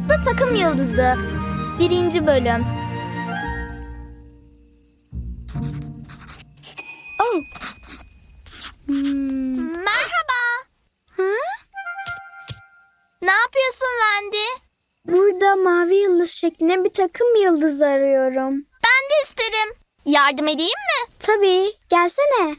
Uzakta Takım Yıldızı 1. Bölüm. Oh. Merhaba. Ha? Ne yapıyorsun Wendy? Burada mavi yıldız şeklinde bir takım yıldız arıyorum. Ben de isterim. Yardım edeyim mi? Tabii, gelsene.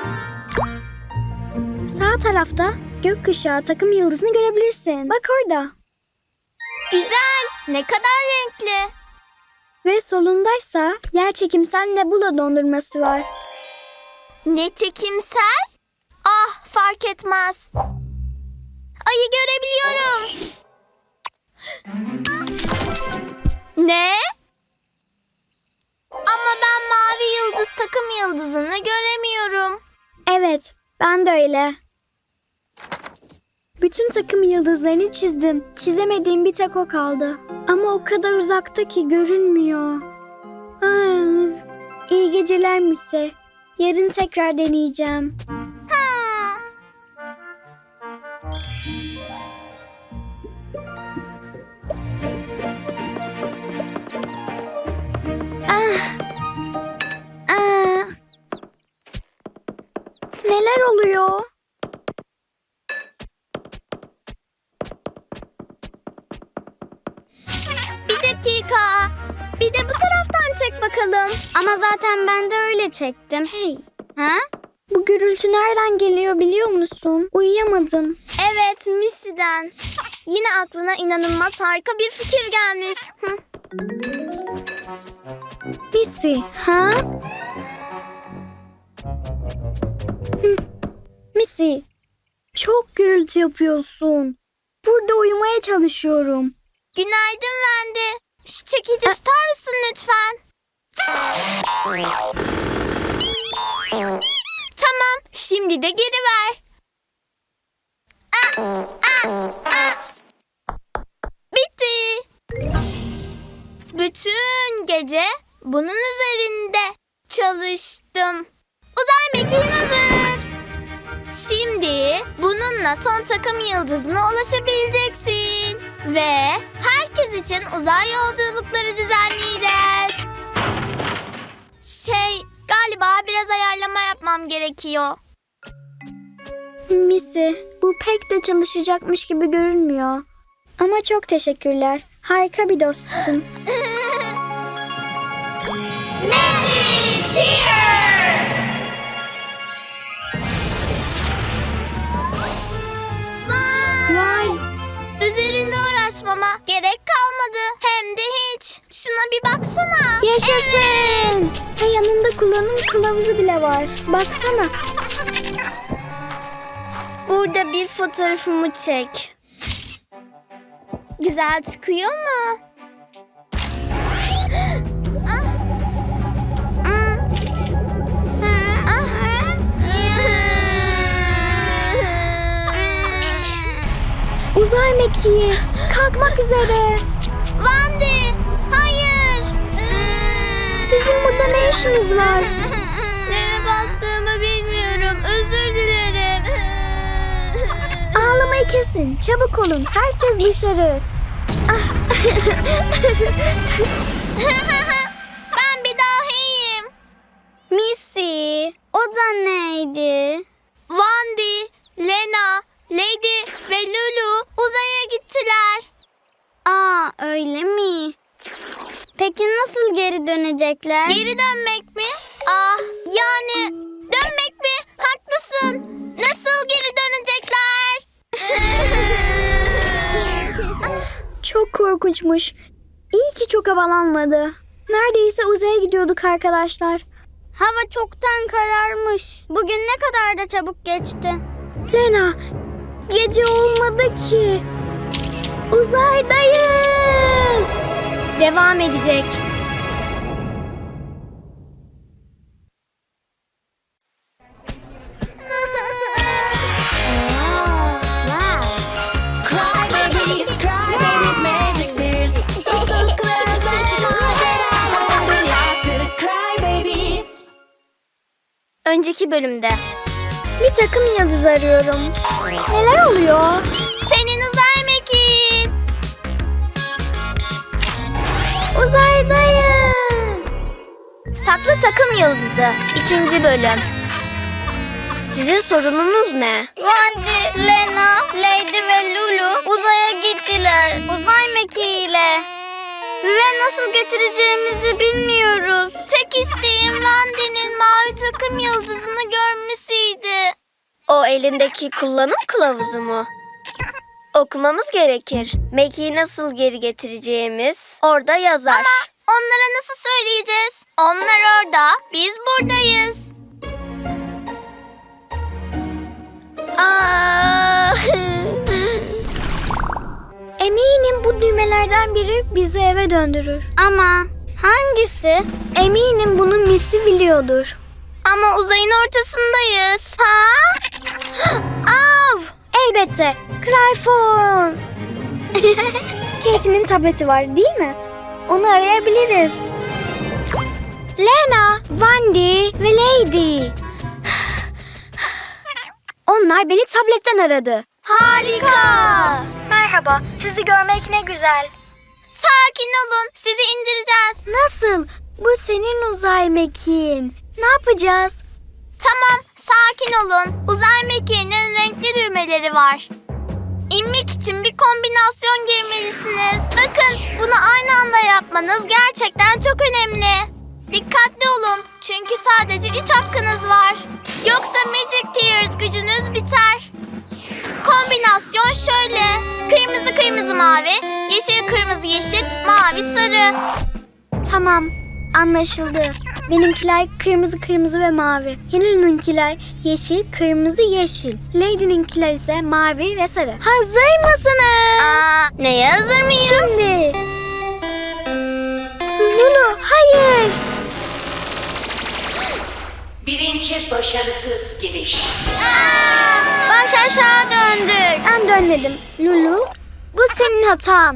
Sağ tarafta gökkuşağı takım yıldızını görebilirsin. Bak orada. Güzel. Ne kadar renkli. Ve solundaysa yerçekimsel nebula dondurması var. Ne çekimsel? Ah, fark etmez. Ayı görebiliyorum. Ne? Ama ben mavi yıldız takım yıldızını göremiyorum. Evet, ben de öyle. Bütün takım yıldızlarını çizdim. Çizemediğim bir tek o kaldı. Ama o kadar uzakta ki görünmüyor. İyi geceler Missy. Yarın tekrar deneyeceğim. Neler oluyor? Bir dakika. Bir de bu taraftan çek bakalım. Ama zaten ben de öyle çektim. Hey. Ha? Bu gürültü nereden geliyor biliyor musun? Uyuyamadım. Evet, Missy'den. Yine aklına inanılmaz harika bir fikir gelmiş. Missy, ha? Missy, çok gürültü yapıyorsun. Burada uyumaya çalışıyorum. Günaydın Wendy. Şu çekici tutar mısın lütfen? Tamam, şimdi de geri ver. Bitti. Bütün gece bunun üzerinde çalıştım. Uzay mekiğin hazır. Şimdi bununla son takım yıldızına ulaşabileceksin. Ve herkes için uzay yolculukları düzenleyeceğiz. Galiba biraz ayarlama yapmam gerekiyor. Missy, bu pek de çalışacakmış gibi görünmüyor. Ama çok teşekkürler. Harika bir dostsun. Magic Tears! Vay! Üzerinde uğraşmama gerek kalmadı. Hem de hiç. Şuna bir baksana. Yaşasın! Ve yanında kullanım kılavuzu bile var. Baksana. Burada bir fotoğrafımı çek. Güzel çıkıyor mu? Uzay mekiği kalkmak üzere. Wendy, hayır. Sizin burada ne işiniz var? Neye bastığımı bilmiyorum. Özür dilerim. Ağlamayı kesin. Çabuk olun. Herkes dışarı. Ben bir dahiyim. Missy, o da neydi? Wendy, Lena, Lady ve Lulu uzaya gittiler. Aa, öyle mi? Peki nasıl geri dönecekler? Geri dönmek mi? Ah, yani dönmek mi? Haklısın. Nasıl geri dönecekler? Çok korkunçmuş. İyi ki çok havalanmadı. Neredeyse uzaya gidiyorduk arkadaşlar. Hava çoktan kararmış. Bugün ne kadar da çabuk geçti. Lena, gece olmadı ki. Uzaydayız. Devam edecek. Cry babies, magic tears. Uzaklarız maceralar dünyası. Cry babies. Önceki bölümde. Bir takım yıldız arıyorum. Neler oluyor? Senin uzay mekiğin. Yataklı Takım Yıldızı 2. bölüm. Sizin sorununuz ne? Wendy, Lena, Lady ve Lulu uzaya gittiler. Uzay mekiğiyle. Ve nasıl getireceğimizi bilmiyoruz. Tek isteğim Wendy'nin mavi takım yıldızını görmesiydi. O elindeki kullanım kılavuzu mu? Okumamız gerekir. Mackie'yi nasıl geri getireceğimiz orada yazar. Ama onlara nasıl söyleyeceğiz? Onlar orada, biz buradayız. Aa! Eminim bu düğmelerden biri bizi eve döndürür. Ama hangisi? Eminim bunu Missy biliyordur. Ama uzayın ortasındayız. Ha? Av! Elbette. Cryphone. Kate'nin tableti var değil mi? Onu arayabiliriz. Lena, Wendy ve Lady. Onlar beni tabletten aradı. Harika. Merhaba, sizi görmek ne güzel. Sakin olun, sizi indireceğiz. Nasıl? Bu senin uzay mekiğin. Ne yapacağız? Tamam, sakin olun. Uzay mekiğinin renkli düğmeleri var. İnmek için bir kombinasyon girmelisiniz. Bakın, bunu aynı anda yapmanız gerçekten çok önemli. Dikkatli olun, çünkü sadece 3 hakkınız var. Yoksa Magic Tears gücünüz biter. Kombinasyon şöyle. Kırmızı kırmızı mavi, yeşil kırmızı yeşil, mavi sarı. Tamam, anlaşıldı. Benimkiler kırmızı kırmızı ve mavi. Hilal'ınkiler yeşil kırmızı yeşil. Lady'ninkiler ise mavi ve sarı. Hazır mısınız? Neye hazır mıyız? Şimdi. Lulu, hayır. Birinci başarısız giriş. Baş aşağı döndük. Ben dönmedim. Lulu, bu senin hatan.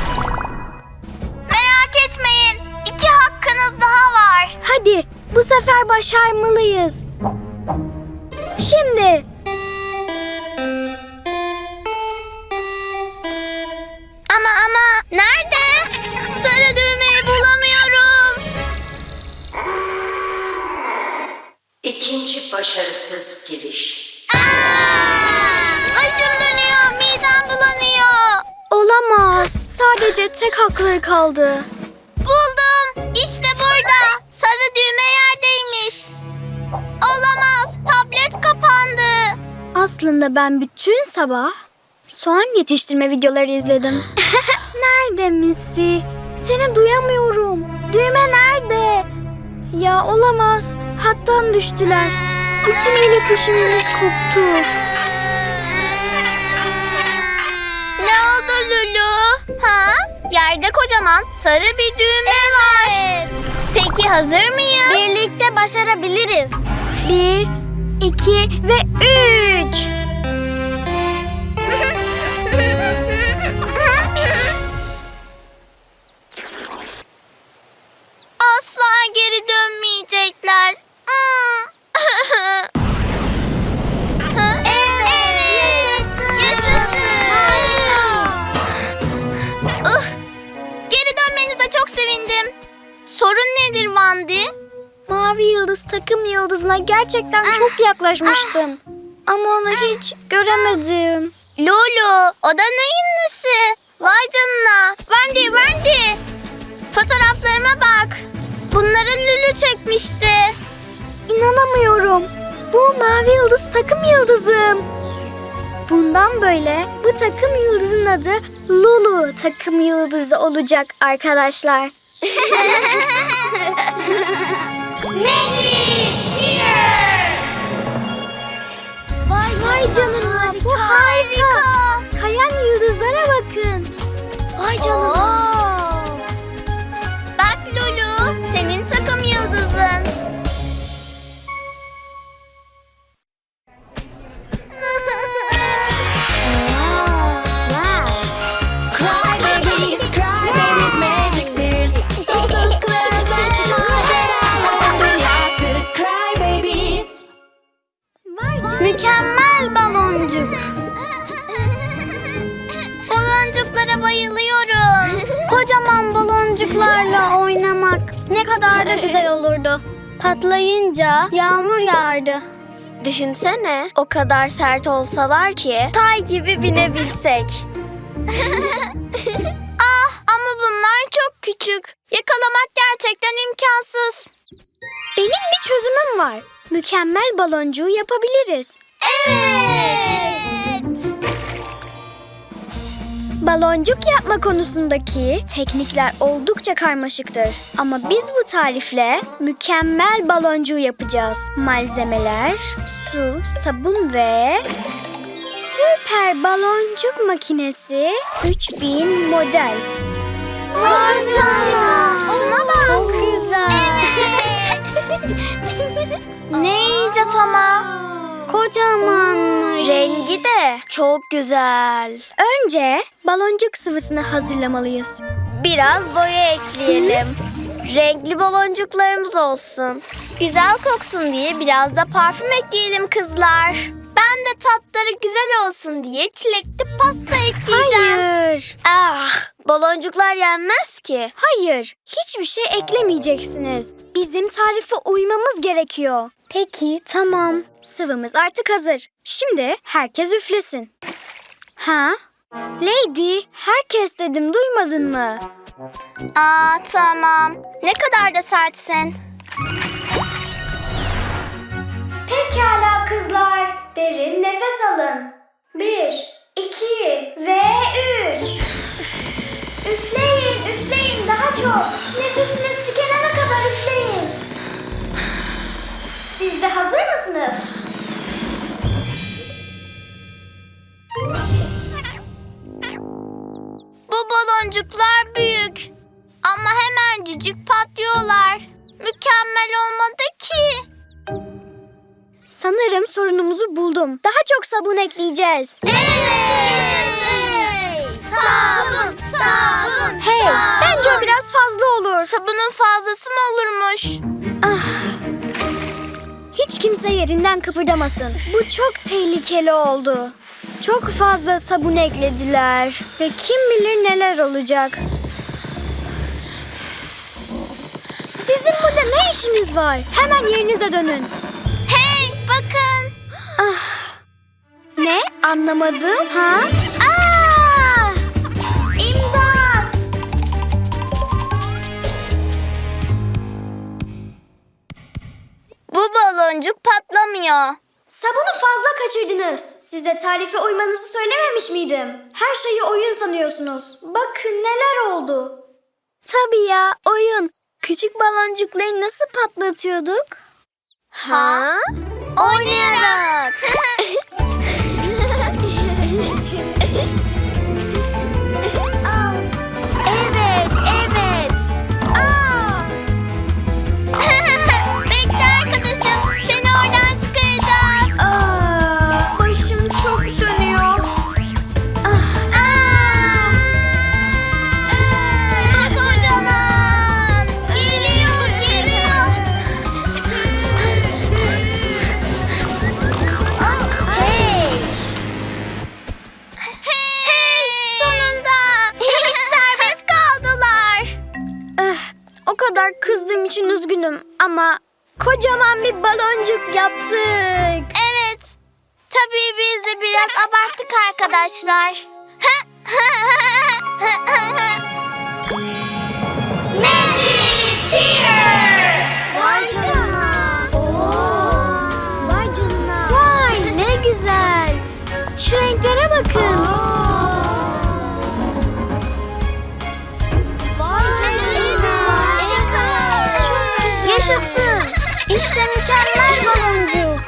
Merak etmeyin. 2 hakkınız daha var. Hadi, bu sefer başarmalıyız. Şimdi. Ama nerede? Sarı düğmeyi bulamıyorum. İkinci başarısız giriş. Başım dönüyor, midem bulanıyor. Olamaz. Sadece tek hakları kaldı. Buldum. İşte burada. Sarı düğme yerdeymiş. Olamaz. Tablet kapandı. Aslında ben bütün sabah soğan yetiştirme videoları izledim. Nerede Missy? Seni duyamıyorum. Düğme nerede? Ya olamaz. Hattan düştüler. Bütün iletişimimiz koptu. Ne oldu Lulu? Ha? Yerde kocaman sarı bir düğme var. Peki hazır mıyız? Birlikte başarabiliriz. 1, 2 ve 3. Asla geri dönmeyecekler. Evet. Yaşasın. Geri dönmenize çok sevindim. Sorun nedir Wendy? Mavi yıldız takım yıldızına gerçekten çok yaklaşmıştım. Ama onu hiç göremedim. Lulu, o da neyin nesi? Vay canına. Wendy. Fotoğraflarıma bak. Bunları Lulu çekmişti. İnanamıyorum. Bu mavi yıldız takım yıldızım. Bundan böyle bu takım yıldızın adı Lulu takım yıldızı olacak arkadaşlar. Vay canına, bu harika. Kayan yıldızlara bakın. Vay canına. Bak Lulu, senin takım yıldızın. Cry babies, magic tears. Dostluklarımız ve maceralar dünyası. Cry babies. Mükemmel baloncuk. Patlayınca yağmur yağardı. Düşünsene, o kadar sert olsalar ki tay gibi binebilsek. Ama bunlar çok küçük. Yakalamak gerçekten imkansız. Benim bir çözümüm var. Mükemmel baloncuğu yapabiliriz. Evet. Baloncuk yapma konusundaki teknikler oldukça karmaşıktır. Ama biz bu tarifle mükemmel baloncuğu yapacağız. Malzemeler, su, sabun ve süper baloncuk makinesi 3000 model. Vay canına. Şuna bak. Çok güzel. Ne icat ama. Kocamanmış. Rengi de çok güzel. Önce baloncuk sıvısını hazırlamalıyız. Biraz boya ekleyelim. Renkli baloncuklarımız olsun. Güzel koksun diye biraz da parfüm ekleyelim kızlar. Ben de tatları güzel olsun diye çilekli pasta ekleyeceğim. Hayır. Baloncuklar yenmez ki. Hayır. Hiçbir şey eklemeyeceksiniz. Bizim tarife uymamız gerekiyor. Peki, tamam. Sıvımız artık hazır. Şimdi herkes üflesin. Ha? Lady, herkes dedim, duymadın mı? Tamam. Ne kadar da sertsin. Pekala kızlar. Derin nefes alın. 1, 2 ve 3. Üfleyin, üfleyin daha çok. Nefesiniz tükenene kadar üfleyin. Siz de hazır mısınız? Bu baloncuklar büyük. Ama hemencik patlıyorlar. Mükemmel olmadı ki. Sanırım sorunumuzu buldum. Daha çok sabun ekleyeceğiz. Evet. Sabun, sabun. Hey, bence o biraz fazla olur. Sabunun fazlası mı olurmuş? Hiç kimse yerinden kıpırdamasın. Bu çok tehlikeli oldu. Çok fazla sabun eklediler. Ve kim bilir neler olacak. Sizin burada ne işiniz var? Hemen yerinize dönün. Hey, bakın. Ne? Anlamadım. Ha? Aa! İmdat! Bu baloncuk patlamıyor. Sabunu fazla kaçırdınız. Size tarife uymanızı söylememiş miydim? Her şeyi oyun sanıyorsunuz. Bakın neler oldu. Tabii ya, oyun. Küçük baloncukları nasıl patlatıyorduk? Ha? Oynayarak. Evet, evet. Bekle arkadaşım. Seni oradan çıkaracağız. Başım çok dönüyor. Bu kocaman. Geliyor, geliyor. Hey! Hey, sonunda. Serbest kaldılar. O kadar kızdığım için üzgünüm ama kocaman bir baloncuk yaptık. Evet. Tabii biz de biraz abarttık arkadaşlar. Magic Tears. Vay canına. Vay canına. Vay ne güzel. Şu renklere bakın. Vay canına. Yaşasın. İşte mükemmel baloncuk.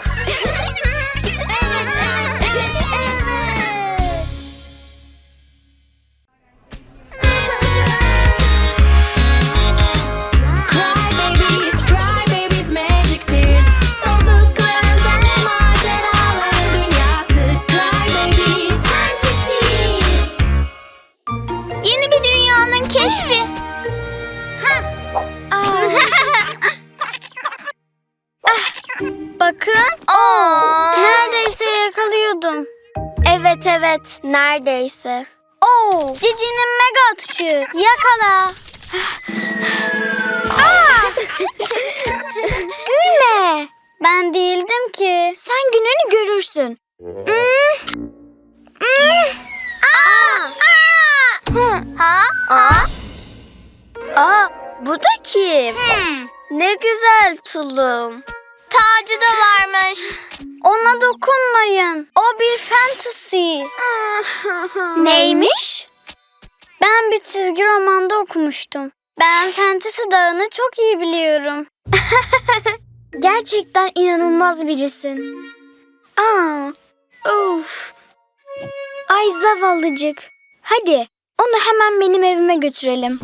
Cry babies, magic tears. Dostluklar özel maceraların dünyası. Cry babies, time to see. Yeni bir dünyanın keşfi. Bakın. Neredeyse yakalıyordum. Evet, evet. Neredeyse. Cici'nin mega atışı. Yakala. Ben değildim ki. Sen gününü görürsün. Bu da kim? Ne güzel tulum. Tacı da varmış. Ona dokunmayın. O bir fantasy. Neymiş? Ben bir çizgi romanda okumuştum. Ben Fantasy Dağı'nı çok iyi biliyorum. Gerçekten inanılmaz birisin. Of. Ay zavallıcık. Hadi onu hemen benim evime götürelim.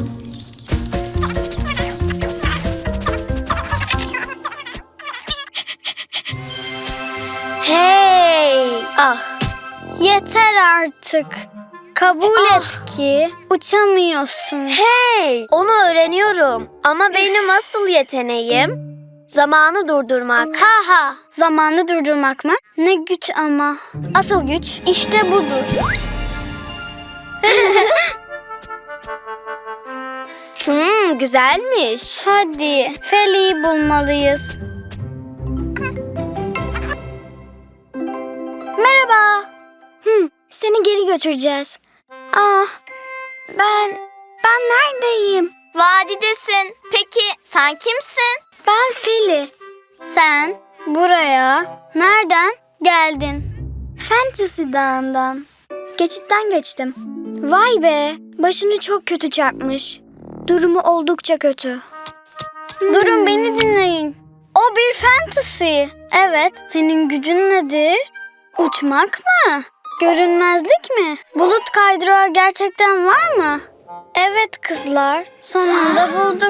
Hey! Yeter artık. Kabul et ki uçamıyorsun. Hey! Onu öğreniyorum. Ama benim asıl yeteneğim zamanı durdurmak. Ha! Zamanı durdurmak mı? Ne güç ama. Asıl güç işte budur. Güzelmiş. Hadi Feli'yi bulmalıyız. Merhaba. Seni geri götüreceğiz. Ben neredeyim? Vadidesin. Peki sen kimsin? Ben Feli. Sen buraya nereden geldin? Fantasy Dağı'ndan. Geçitten geçtim. Vay be, başını çok kötü çarpmış. Durumu oldukça kötü. Durun, beni dinleyin. O bir fantasy. Evet, senin gücün nedir? Uçmak mı? Görünmezlik mi? Bulut kaydırağı gerçekten var mı? Evet kızlar, sonunda bulduk.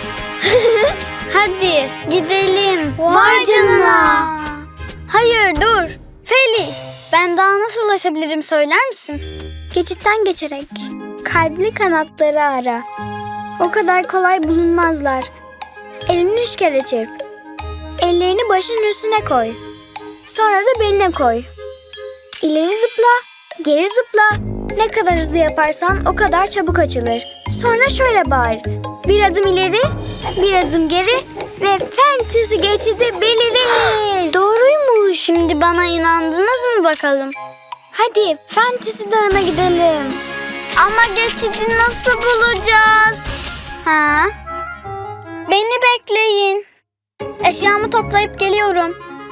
Hadi gidelim. Vay canına. Hayır dur. Feli, ben daha nasıl ulaşabilirim söyler misin? Geçitten geçerek. Kalpli kanatları ara. O kadar kolay bulunmazlar. Elini 3 kere çırp. Ellerini başının üstüne koy. Sonra da beline koy. İleri zıpla, geri zıpla. Ne kadar hızlı yaparsan o kadar çabuk açılır. Sonra şöyle bağır. Bir adım ileri, bir adım geri ve fantasy geçidi belirir. Doğruymuş. Şimdi bana inandınız mı bakalım? Hadi Fantasy Dağı'na gidelim. Ama geçidi nasıl bulacağız? Beni bekleyin. Eşyamı toplayıp geliyorum.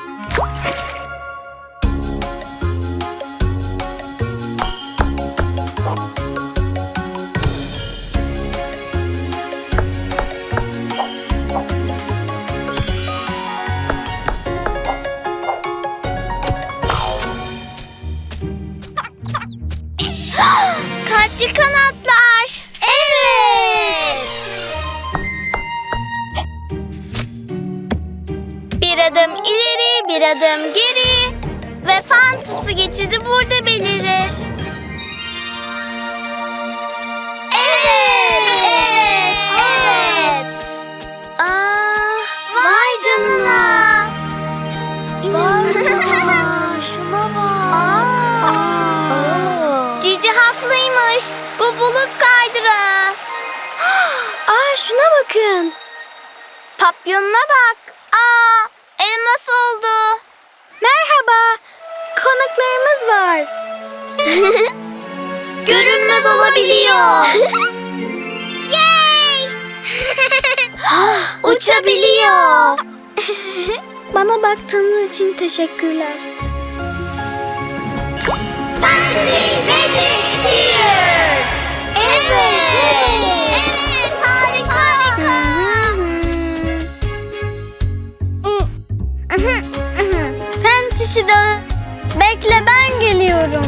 Kalpli kanatlar. Evet. Bir adım ileri, bir adım geri ve fantasy geçidi burada belirir. Evet. Vay canına. Şuna bak. Cici haklıymış. Bu bulut kaydırağı. Şuna bakın. Papyonuna bak. Elmas oldu. Merhaba. Konuklarımız var. Görünmez olabiliyor. Yay! Uçabiliyor. Bana baktığınız için teşekkürler. Fantasy Magic Tears. Evet, harika. Fantasy Dağı. Bekle, ben geliyorum.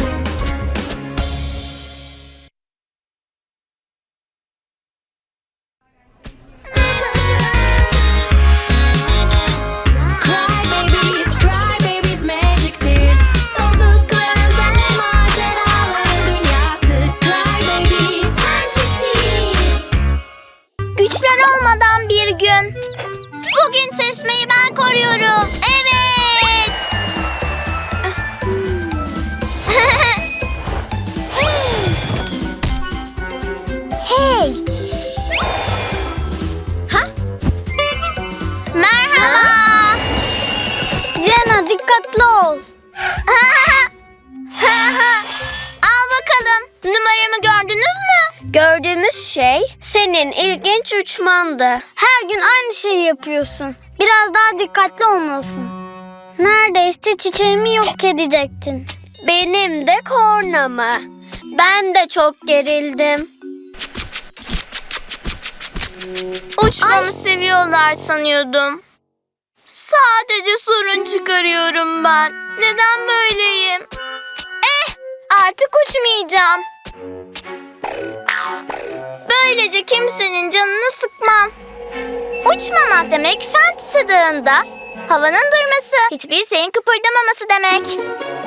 Cry babies, magic tears. Dostlukların ve maceraların dünyası. Cry babies, fantasy. Güçler olmadan bir gün. Bugün çeşmeyi ben koruyorum. Evet. Hey! Merhaba. dikkatli ol. Al bakalım. Numaramı gördünüz mü? Gördüğümüz şey senin ilginç uçmandı. Her gün aynı şeyi yapıyorsun. Biraz daha dikkatli olmalısın. Neredeyse çiçeğimi yok edecektin. Benim de kornamı. Ben de çok gerildim. Uçmamı seviyorlar sanıyordum. Sadece sorun çıkarıyorum ben. Neden böyleyim? Artık uçmayacağım. Böylece kimsenin canını sıkmam. Uçmamak demek Fantasy Dağı'nda havanın durması, hiçbir şeyin kıpırdamaması demek.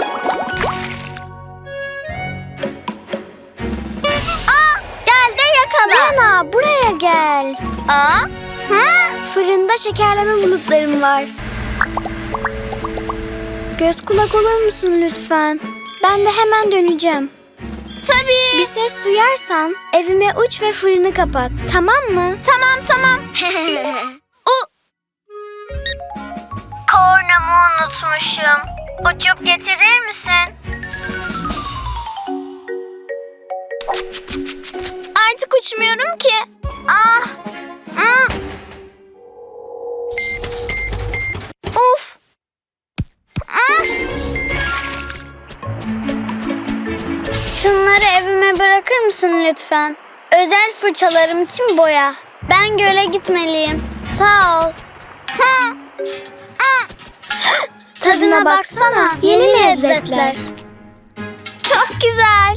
Gel de yakala. Cana buraya gel. Hı? Fırında şekerleme bulutlarım var. Göz kulak olur musun lütfen? Ben de hemen döneceğim. Tabii. Bir ses duyarsan evime uç ve fırını kapat. Tamam mı? Tamam. Kornamı unutmuşum. Uçup getirir misin? Artık uçmuyorum ki. Uf. Şunları evime bırakır mısın lütfen? Özel fırçalarım için boya. Ben göle gitmeliyim. Sağ ol. Tadına baksana. Yeni lezzetler. Çok güzel.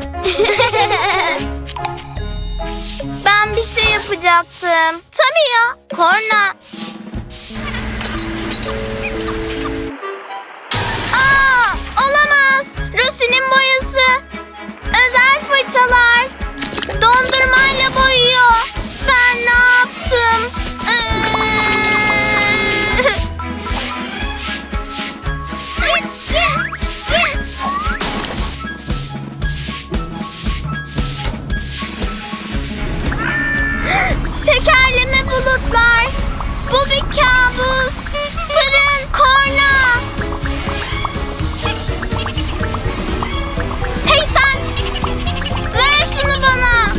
Ben bir şey yapacaktım. Tabii ya. Korna. Olamaz. Rosie'nin boyası. Özel fırçalar. Dondurmayla boyuyor. Ben ne yaptım? Şekerleme bulutlar. Bu bir kabus. Fırın, korna. Hey sen! Ver şunu bana.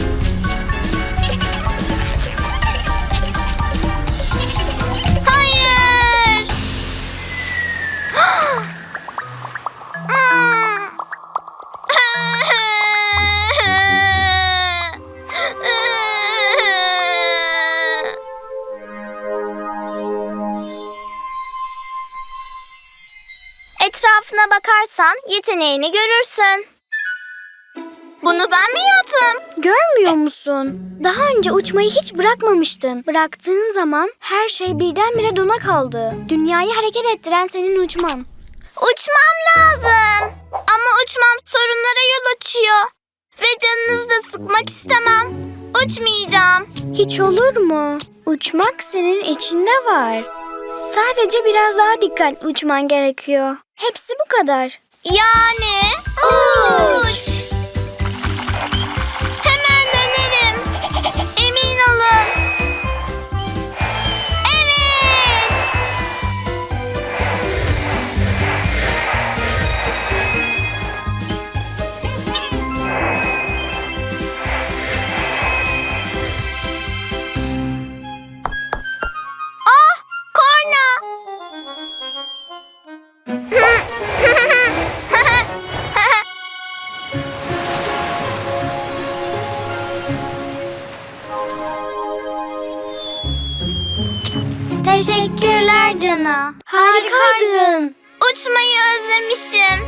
Hayır. Etrafına bakarsan yeteneğini görürsün. Bunu ben mi yaptım? Görmüyor musun? Daha önce uçmayı hiç bırakmamıştın. Bıraktığın zaman her şey birdenbire dona kaldı. Dünyayı hareket ettiren senin uçman. Uçmam lazım. Ama uçmam sorunlara yol açıyor. Ve canınızı da sıkmak istemem. Uçmayacağım. Hiç olur mu? Uçmak senin içinde var. Sadece biraz daha dikkatli uçman gerekiyor. Hepsi bu kadar. Yani uç. Hemen dönerim. Emin olun. Evet. Korna. Teşekkürler Cana. Harikaydın. Uçmayı özlemişim.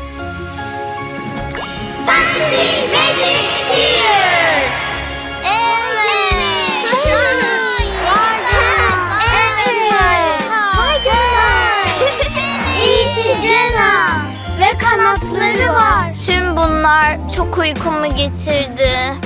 Fantasy Magic Tears. Evet. Vay Cana. Evet. Vay Cana. İyi ki Cana. Ve kanatları var. Tüm bunlar çok uykumu getirdi.